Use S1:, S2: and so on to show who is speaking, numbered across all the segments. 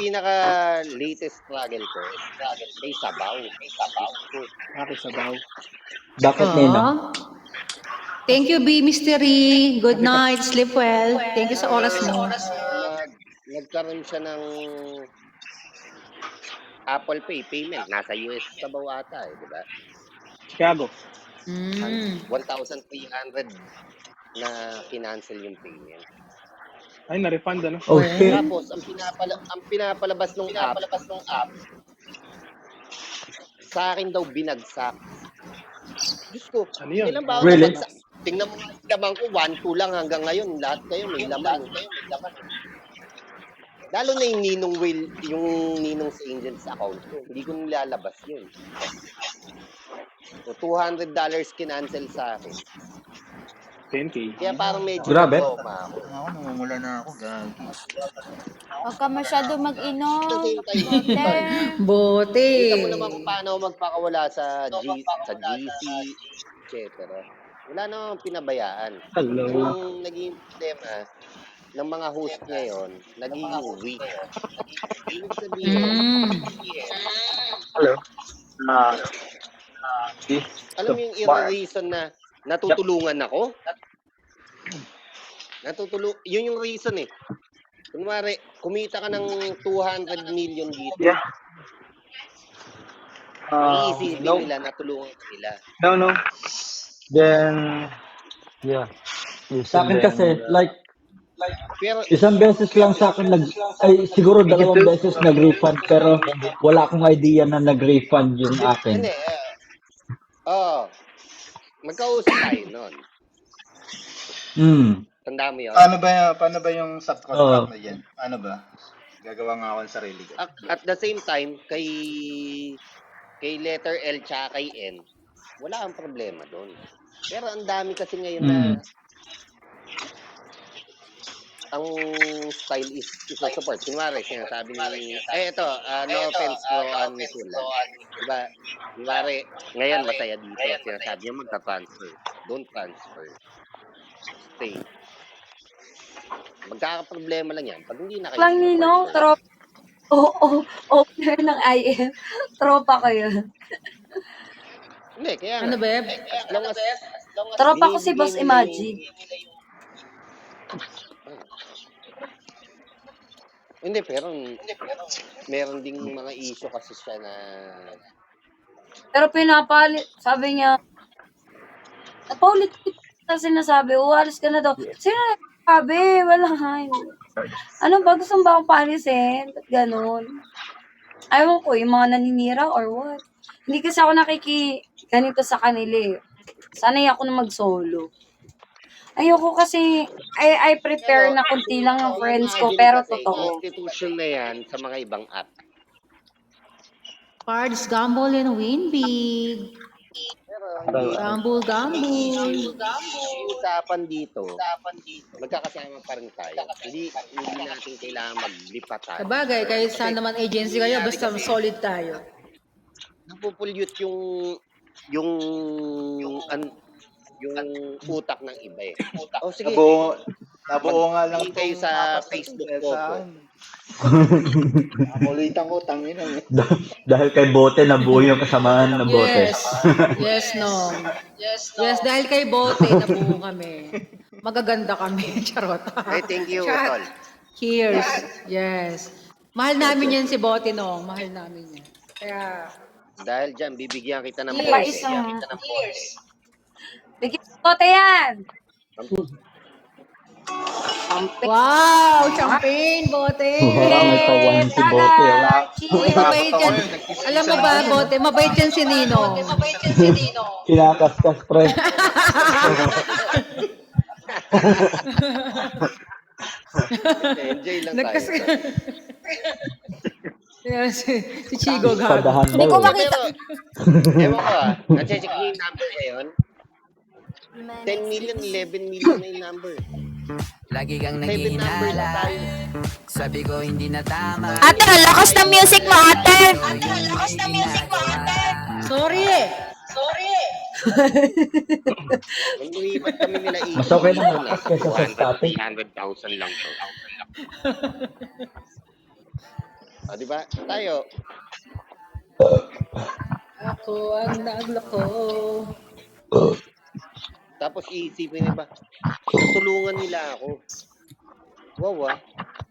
S1: pinaka-latest struggle ko, kay Sabaw.
S2: Bakit sabaw?
S3: Bakit, Nino?
S4: Thank you, B. Mystery. Good night. Sleep well. Thank you sa oras mo.
S1: Nagkaroon siya ng Apple Pay payment. Nasa US Sabaw ata di ba?
S2: Chicago.
S1: 1,300 na kinancel yung payment.
S2: Ay, na-refund ano?
S3: Oh, shit.
S1: Tapos, ang pinapalabas ng app, sa akin daw binagsak. Diyos ko,
S2: Ano yun?
S1: ilan ba ako
S3: Really?
S1: nabagsak? Tingnan mo nga yung laman ko, 1-2 lang hanggang ngayon. Lahat kayo may laman. Lalo na yung ninong sa Angels account ko. Hindi ko nilalabas yun. So, $200 kinancel sa akin.
S2: 10K.
S1: Kaya parang medyo
S3: Grabe.
S1: trauma ako.
S5: Ako, namumula na ako. Gagi.
S6: Huwag ka masyado mag-inom.
S1: At the same time,
S4: Bote.
S1: kita mo naman kung paano ako magpakawala sa GC, etc. Wala namang pinabayaan.
S2: Hello.
S1: Yung naging problema ng mga host ngayon, naging weak. Ibig sabihin,
S5: Hello.
S1: alam mo yung reason na natutulungan ako? Yun yung reason eh. Kunwari, kumita ka ng 200 million dito.
S5: Yeah.
S1: Iisipin
S5: No.
S1: nila na tulungan ka nila.
S5: No. Then, yeah.
S3: Sa akin kasi, like,
S1: Pero
S3: isang beses lang sa akin siguro 2 beses nag-refund, pero wala akong idea na nag-refund yung akin.
S1: hindi, magkausap tayo nun. Tanda mo yun?
S5: Paano ba yung subcontract na yan? Ano ba? Gagawa nga ako ng sarili ko.
S1: At the same time, kay letter L tsaka kay N, wala ang problema doon. Pero ang dami kasi ngayon na ang style is support. Kunwari, sinasabi ni, no offense bro, diba? Kunwari, ngayon masaya dito. Sinasabi niya magta-transfer. Don't transfer. Stay. Magkakaproblema lang yan. Pag hindi na kayo
S6: Lang Nino, tropa. Opener ng IM. Tropa ko yun.
S1: Hindi, kaya
S4: Ano,
S1: nga.
S4: Beb?
S6: Tropa ko si Boss Imagine.
S1: Hindi, pero meron ding mga issue kasi siya na
S6: Pero pinapalit, sabi niya, napaulit na sinasabi, uwalis ka na daw. Sino nagsabi? Wala nga. Ano ba? Gusto mo ba akong palisin? Ba't ganun? Ayaw ko, yung mga naninira or what? Hindi kasi ako ganito sa kanila eh. Sanay ako na mag-solo. Ayoko kasi, I prepare na kunti lang ng friends ko, pero totoo.
S1: institution na yan sa mga ibang app.
S4: Cards, gamble and win big. Gamble.
S1: Yung usapan dito, magkakasama pa rin tayo. Hindi natin kailangan maglipat tayo.
S4: Sabagay, kahit saan naman agency kayo, basta solid tayo.
S1: Napupulyot yung utak ng iba eh. Oh, sige.
S5: Nabuo nga lang
S1: kayo sa Facebook ko.
S5: Nakulitan ko, tangin na.
S3: Dahil kay Bote, nabuo yung kasamaan ng Bote.
S4: Yes, dahil kay Bote, nabuo kami. Magaganda kami. Charot.
S1: Hey, thank you, Tol.
S4: Cheers. Yes. Mahal namin yan si Bote, no? Mahal namin yan. Kaya,
S1: Dahil dyan, bibigyan kita ng
S6: Cheers.
S1: pote.
S6: Bigyan ko yan!
S4: wow! Champagne, Bote!
S3: May pawan si Bote.
S4: Uy, mabait yan. Alam mo ba, Bote, mabait yan si Nino.
S3: Kinakaskas, pre.
S1: Enjoy lang tayo.
S4: Yan, si Chigo gago.
S3: Padahan
S6: Hindi ko
S3: daw.
S6: makita.
S1: Ewan ko na-check ko yung number ngayon. 10 million, 11 million na yung number.
S7: Lagi kang
S1: 7 numbers na
S7: naghihinala.
S1: tayo.
S7: Sabi ko hindi na tama.
S6: Ate, ang lakas ng music mo, ate!
S4: Sorry!
S1: Nung lumipat kami nila
S3: Mas okay naman kaysa sa static.
S1: 300,000 lang to. Di ba? Tayo.
S4: Ako ang nagloko.
S1: Tapos iisipin nila, tutulungan nila ako. Wow, ah.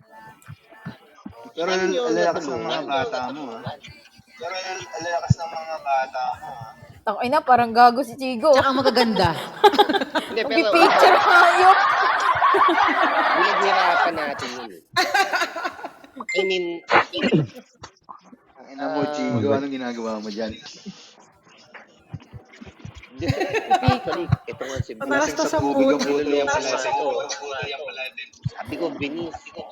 S5: Pero
S1: Ano yun,
S5: alalakas ng mga
S1: natulungan?
S5: bata mo, ha? Pero alalakas ng mga bata mo, ha?
S8: Ay na, parang gago si Chigo.
S4: Tsaka ang magaganda.
S1: Hindi, pero
S8: Picture hayop.
S1: pinaghirapan natin yun. I mean,
S5: Ang ina mo, Chigo, anong ginagawa mo dyan?
S1: actually, ito nga si
S4: Matalas to sa
S5: tubig ang
S4: puti.
S5: bulo yung pala ito.
S1: Sabi ko, binis.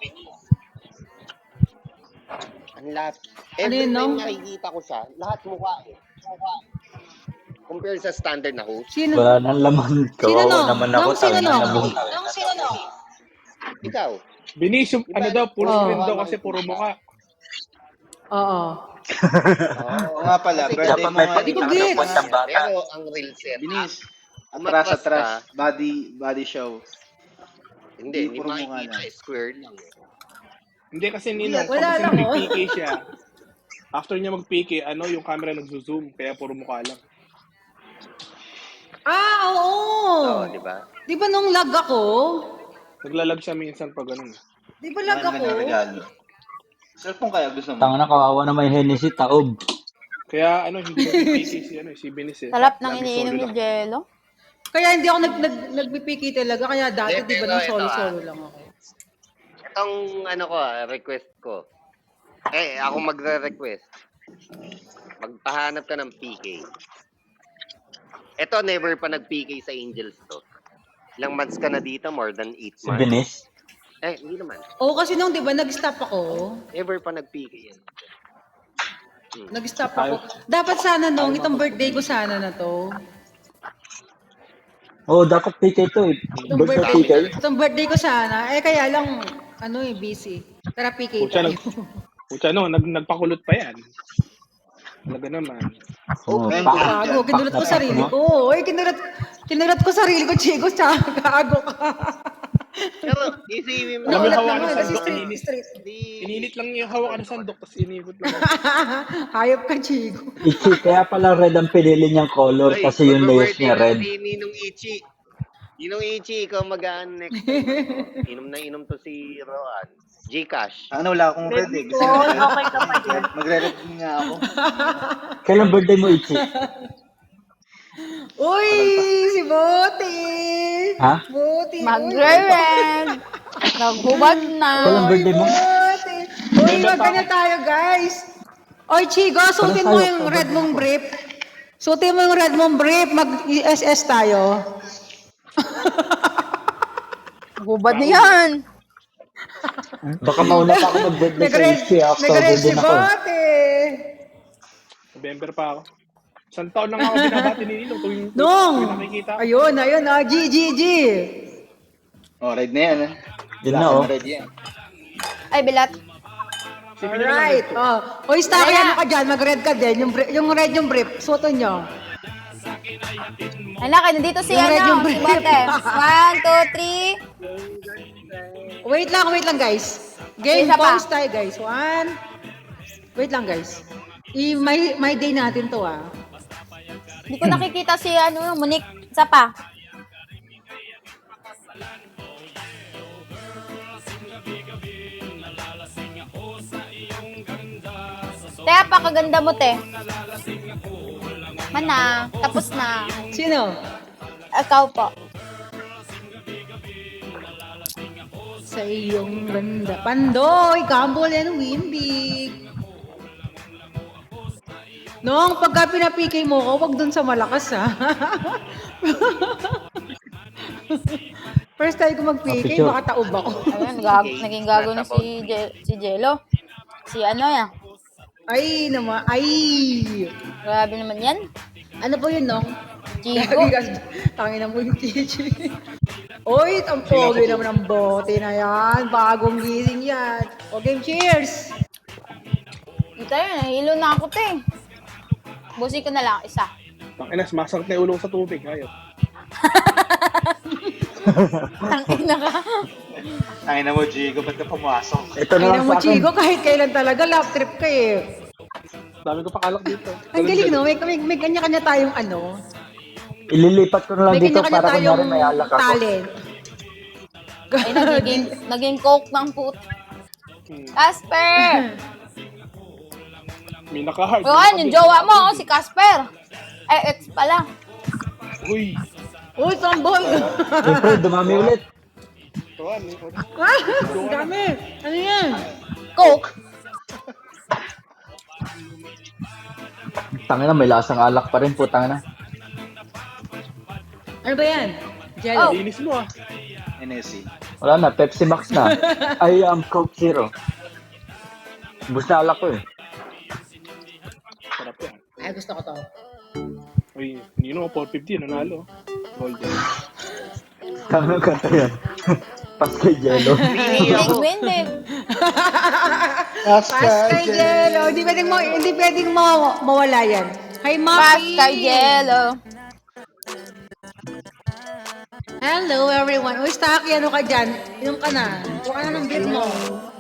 S1: Ang lap.
S4: Ano
S1: Every
S4: yun,
S1: time
S4: no?
S1: nakikita ko siya, lahat mukha eh. Compare sa standard na host.
S4: Sino?
S3: Wala nang laman.
S4: Sino
S3: Kawawa
S4: no?
S3: naman ako.
S4: Nung sino
S3: Tangina
S4: no?
S3: na buong.
S1: Ikaw,
S2: Binis yung, ano daw, puro
S4: Oh.
S2: screen daw kasi puro mukha.
S4: Oo.
S5: Oo nga pala,
S1: Kasi
S5: birthday
S3: dapat
S5: mo
S3: may
S5: nga.
S4: Hindi ko
S3: pagkakataon
S4: gets.
S3: ng bata.
S1: pero ang real set,
S5: Binis.
S1: umatras
S5: Atras.
S1: ka.
S5: Body show.
S1: Hindi
S5: Puro mukha
S1: makikita,
S5: lang.
S1: square lang.
S2: Hindi kasi Ninong,
S4: Wala
S2: pag kasi
S4: lang, oh.
S2: nag-PK siya, after niya mag-PK, yung camera nag-zoom, kaya puro mukha lang.
S4: Oo.
S1: Di ba?
S4: Di ba nung lag ako?
S2: Naglalag siya minsan pag ganun.
S4: Di ba lag
S5: Ano
S4: ako?
S5: ka regalo? Cellphone kaya gusto mo?
S3: Tanga na kawawa na may Hennessy taob.
S2: Kaya hindi nag-PK si Binis eh.
S8: Sarap ng
S2: Lagi
S8: iniinom
S2: solo
S8: ni
S2: lang.
S8: Jello.
S4: Kaya hindi ako nagpipiki talaga. Kaya dati,
S1: Hindi,
S4: di ba,
S1: pero
S4: nung
S1: ito,
S4: solo-solo lang ako.
S1: Itong request ko. Ako magre-request. Magpahanap ka ng PK. Ito, never pa nag-PK sa Angels to. Ilang months ka na dito? More than 8
S3: Si
S1: months?
S3: Binis.
S1: Hindi naman.
S4: Oo, kasi nung, di ba, nag-stop ako.
S1: Never pa nag-PK yan.
S4: Nag-stop ako. Dapat sana nung, itong birthday ko sana na to.
S3: Oo, dapat PK to eh.
S4: Itong
S3: Birthday PK.
S4: Itong birthday ko sana. Kaya lang, busy. Tara, PK
S2: Pucha,
S4: tayo.
S2: nagpakulot pa yan. Talaga naman.
S3: Oo,
S1: Okay.
S3: pak.
S4: Gago, kinulat ko sarili ko. Oy, kinulat ko sarili ko, Chico. Tsaka, gago ka.
S1: Pero, isipin mo.
S2: Alam mo,
S4: Naulat
S2: hawakan
S4: naman,
S2: ng
S4: kasi
S2: sandok,
S4: street.
S2: Inilit lang yung hawakan ng sandok, tapos inikot lang.
S4: Hayop ka, Chico.
S3: Ichi, kaya pala red ang pinili niyang color
S1: Ay,
S3: kasi yung layers niya red.
S1: Si Ninong Ichi. Ninong Ichi, ikaw mag-aan next time. Inom na inom to si Roan. Gcash.
S5: Ano, wala akong red eh. Gusto mo red? Magre-red nga ako.
S3: Kailan birthday mo, Ichi?
S4: Uy, si Boti.
S3: Ha?
S4: Boti.
S8: Magre-red. Naghubad na.
S3: Kailan birthday mo?
S4: Boti. Uy, wag ka na tayo, guys. Oy, Chigo, suotin mo
S3: tayo,
S4: yung
S3: sabay
S4: red mong
S3: ako.
S4: brief. Suotin mo yung red mong brief. Mag-SS tayo.
S8: Naghubad na yan.
S3: Baka mauna pa ako mag-birthday sa
S4: Nag-red,
S3: Ichi. October
S4: nag-red si
S3: din ako.
S4: Boti.
S2: November pa ako. Isang taon lang ako binabati ni Ninong tuwing
S4: Nung.
S2: nakikita.
S4: Ayun, G.
S5: Oh, red na yan, ha?
S3: Yun na, oh.
S5: Red yan.
S8: Ay, bilat.
S4: Alright. Oh. Oy, Staki, ano ka dyan? Mag-red ka din. Yung red yung brief. Suotin nyo.
S8: Anak, nandito si
S4: Yung red yung
S8: si
S4: brief.
S8: Bote. 1, 2, 3.
S4: Wait lang, guys. Game
S8: Isa pa.
S4: pause tayo, guys. Wait lang, guys. My day natin to, ah.
S8: Hindi ko nakikita si Monique. Isa pa. Te, pakaganda mo, te. Mana, tapos na.
S4: Sino?
S8: Ikaw po.
S4: Sa iyong banda. Pandoy, Gambol and Wimbig. Nung pagka pinapikay mo ko, wag dun sa malakas, ha. First time ko mag-PK,
S3: Picture.
S4: baka taob ako.
S8: Ayun, naging gago na si Jello. Si yan.
S4: Ay, naman. Ay!
S8: Grabe naman yan.
S4: Ano po yun, Nong?
S8: Chigo.
S4: Tangin na mo yung Chichi. Oy, ang pogi naman ng bote na yan. Bagong gising yan. O, game, cheers!
S8: Ito yun, nahilo na ako, te. Busi ko na lang, isa.
S2: Takinas, masakit na yung ulong sa tubig. Ayaw.
S8: Tangina ka.
S5: Ay na mo, Jigo, ba't ka pumasok?
S3: Ito na
S4: Ay
S3: lang
S4: na mo,
S3: sa akin.
S4: Chico, kahit kailan talaga, love trip ka eh.
S2: Dami ko pakalak dito.
S4: Ang galing, no? May kanya-kanya tayong ano.
S3: Ililipat ko na lang
S4: May
S3: dito
S4: kanya-kanya
S3: para kunyari
S4: tayong
S3: may alak ako.
S4: talent.
S8: Ay, naging coke ng put.
S2: Hmm.
S8: Casper!
S2: May naka-hard.
S8: O, yung jowa mo, si Casper. Ay, ex pala.
S2: Uy!
S4: Uy, sambol!
S3: Siyempre, dumami ulit.
S2: Tuwan, eh.
S4: Ang dami! Ano yan?
S8: Coke.
S3: Tangina, may lasang alak pa rin po, tangina.
S4: Ano ba yan? Jello.
S8: Oh.
S2: Linis mo ah.
S5: NSC.
S3: Wala na, Pepsi Max na. I am Coke Zero. Bus na alak ko eh.
S2: Sarap yan.
S4: Ay, gusto ko to.
S2: Uy, you know, 450, nanalo. Golden.
S3: Tangina kanta yan. Pascal Jello.
S1: Pili
S8: Big
S1: ako.
S8: win, babe.
S4: Pascal Jello. Hindi pwedeng mawala yan. Hi, Maki!
S8: Pascal Jello.
S4: Hello, everyone. Uy, Staki, ano ka dyan? Inom ka na. Kuha ka na ng beer mo.